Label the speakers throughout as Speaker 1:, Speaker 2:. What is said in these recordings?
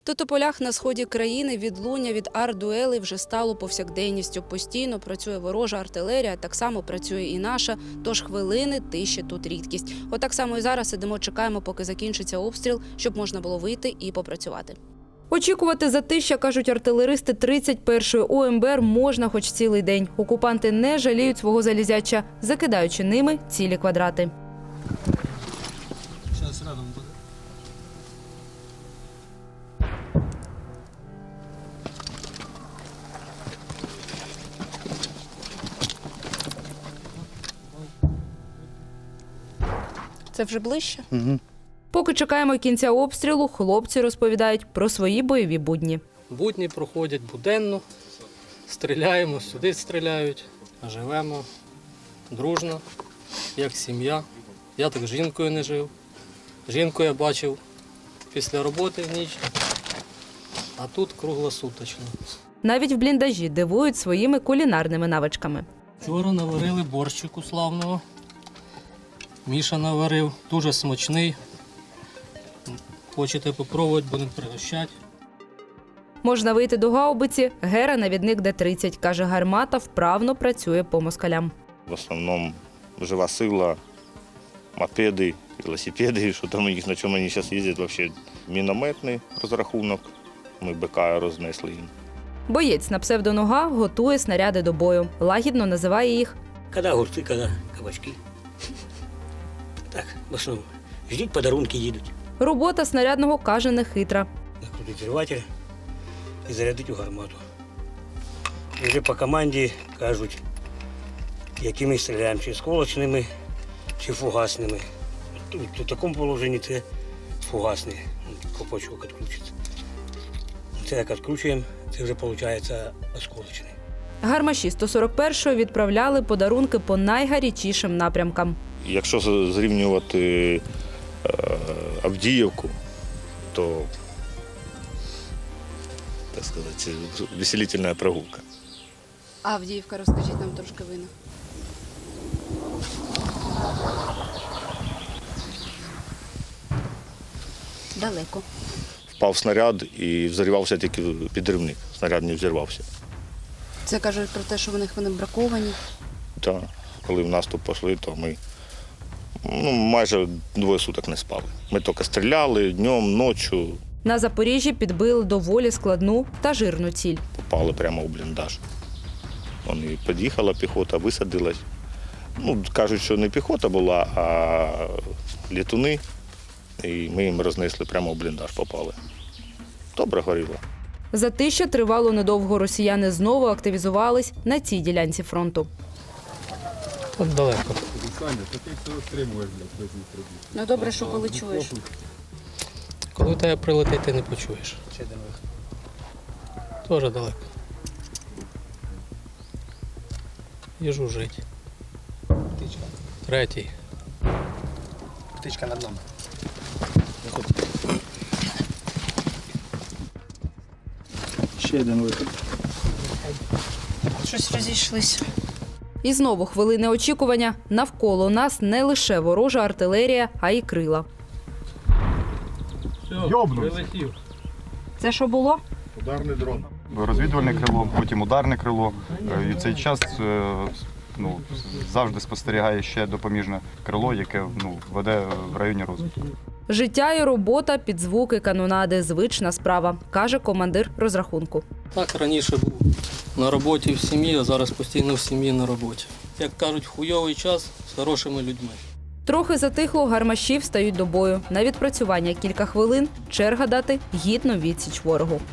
Speaker 1: Тут у полях на сході країни відлуння від артдуелей вже стало повсякденністю. Постійно працює ворожа артилерія, так само працює і наша, тож хвилини тиші тут рідкість. Отак само і зараз сидимо, чекаємо, поки закінчиться обстріл, щоб можна було вийти і попрацювати. Очікувати затища, кажуть артилеристи 31-ї ОМБР, можна хоч цілий день. Окупанти не жаліють свого залізяча, закидаючи ними цілі квадрати.
Speaker 2: Зараз рядом буде.
Speaker 1: Це вже ближче?
Speaker 3: Угу.
Speaker 1: Поки чекаємо кінця обстрілу, хлопці розповідають про свої бойові будні.
Speaker 2: Будні проходять буденно, стріляємо, сюди стріляють, живемо дружно, як сім'я. Я так з жінкою не жив. Жінку я бачив після роботи в ніч, а тут круглосуточно.
Speaker 1: Навіть в бліндажі дивують своїми кулінарними навичками.
Speaker 2: Вчора наварили борщику славного. Міша наварив, дуже смачний. Хочете попробувати, будемо пригощати.
Speaker 1: Можна вийти до гаубиці, Гера – навідник Д-30. Каже, гармата вправно працює по москалям.
Speaker 3: В основному жива сила, мопеди, велосипеди, що там у них, на чому вони зараз їздять, взагалі мінометний розрахунок. Ми БК рознесли їм.
Speaker 1: Боєць на псевдонога готує снаряди до бою. Лагідно називає їх
Speaker 4: Когда огурцы, когда кабачки. Так, в основному. Ждіть, подарунки їдуть.
Speaker 1: робота снарядного, каже, нехитра.
Speaker 4: Накрутить зриватель і зарядить у гармату. І вже по команді кажуть, якими стріляємо, чи сколочними, чи фугасними. У такому положенні це фугасний колпачок відкручується. Це як відкручуємо, це вже виходить осколочний.
Speaker 1: Гармаші 141-ї відправляли подарунки по найгарячішим напрямкам.
Speaker 3: Якщо зрівнювати Авдіївку, то, так сказати, веселительна прогулка.
Speaker 1: Авдіївка, розкажіть нам трошки вина. Далеко.
Speaker 3: Впав снаряд і взорвався тільки підривник. Снаряд не взірвався.
Speaker 1: Це кажуть про те, що вони браковані.
Speaker 3: Так, коли в наступ пішли, то ми майже 2 суток не спали. Ми тільки стріляли днем, ночі,
Speaker 1: На Запоріжжі підбили доволі складну та жирну ціль.
Speaker 3: попали прямо у бліндаж. Вони під'їхала піхота, висадилась. Кажуть, що не піхота була, а літуни. І ми їм рознесли прямо у бліндаж, попали. Добре горіло.
Speaker 1: Затища тривало недовго. Росіяни знову активізувались на цій ділянці фронту.
Speaker 2: Тут далеко.
Speaker 1: Ну добре, що коли чуєш.
Speaker 2: Коли тебе прилетить, ти не почуєш. Дуже далеко. Їжу жить.
Speaker 5: Птичка.
Speaker 2: Третій.
Speaker 5: Птичка над нами. Ще один вихід.
Speaker 1: Щось розійшлися. І знову хвилини очікування. Навколо нас не лише ворожа артилерія, а й крила.
Speaker 2: Прилетів.
Speaker 1: Це що було?
Speaker 3: Ударний дрон.
Speaker 6: Розвідувальне крило, потім ударне крило. І в цей час завжди спостерігає ще допоміжне крило, яке веде в районі розвитку.
Speaker 1: Життя і робота під звуки канонади – звична справа, каже командир розрахунку.
Speaker 2: Так раніше був на роботі в сім'ї, а зараз постійно в сім'ї на роботі. Як кажуть, хуйовий час з хорошими людьми.
Speaker 1: Трохи затихло, гармаші встають до бою. На відпрацювання кілька хвилин, черга дати гідну відсіч ворогу.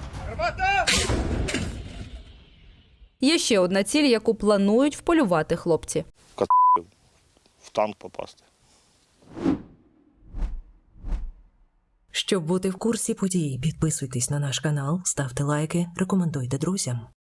Speaker 1: Є ще одна ціль, яку планують вполювати хлопці.
Speaker 3: В танк попасти.
Speaker 7: Щоб бути в курсі подій, підписуйтесь на наш канал, ставте лайки, рекомендуйте друзям.